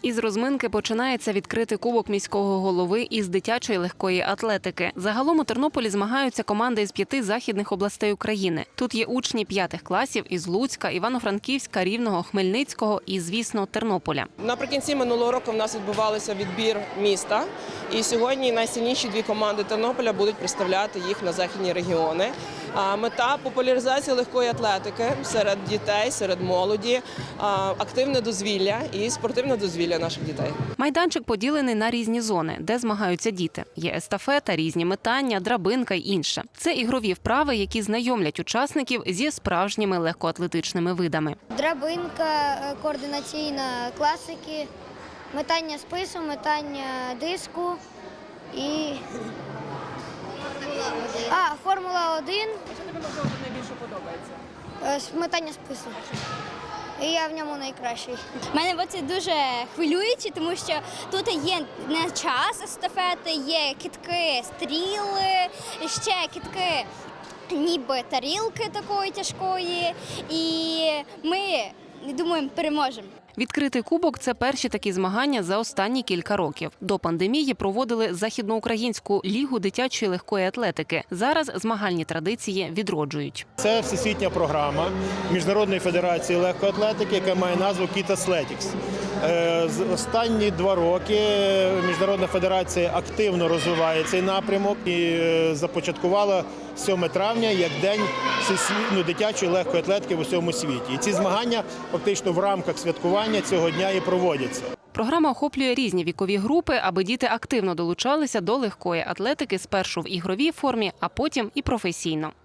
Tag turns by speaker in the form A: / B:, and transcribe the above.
A: Із розминки починається відкритий кубок міського голови із дитячої легкої атлетики. Загалом у Тернополі змагаються команди із 5 західних областей України. Тут є учні 5 класів із Луцька, Івано-Франківська, Рівного, Хмельницького і, звісно, Тернополя.
B: Наприкінці минулого року в нас відбувався відбір міста. І сьогодні найсильніші 2 команди Тернополя будуть представляти їх на західні регіони. Мета – популяризація легкої атлетики серед дітей, серед молоді, активне дозвілля і спортивне дозвілля наших дітей.
A: Майданчик поділений на різні зони, де змагаються діти. Є естафета, різні метання, драбинка й інше. Це ігрові вправи, які знайомлять учасників зі справжніми легкоатлетичними видами.
C: Драбинка, координаційна класики, метання спису, метання диску і Формула-1.
B: Що тобі, можливо, найбільше подобається?
C: Метання спису. І я в ньому найкращий.
D: Мене це дуже хвилююче, тому що тут є не час естафети, є кидки стріли, ще кидки ніби тарілки такої тяжкої. І ми, думаємо, переможемо.
A: Відкритий кубок – це перші такі змагання за останні кілька років. До пандемії проводили Західноукраїнську лігу дитячої легкої атлетики. Зараз змагальні традиції відроджують.
E: Це всесвітня програма Міжнародної федерації легкої атлетики, яка має назву Kids Athletics. Останні 2 роки Міжнародна федерація активно розвиває цей напрямок і започаткувала 7 травня як День дитячої легкої атлетики в усьому світі. І ці змагання фактично в рамках святкування цього дня і проводяться.
A: Програма охоплює різні вікові групи, аби діти активно долучалися до легкої атлетики спершу в ігровій формі, а потім і професійно.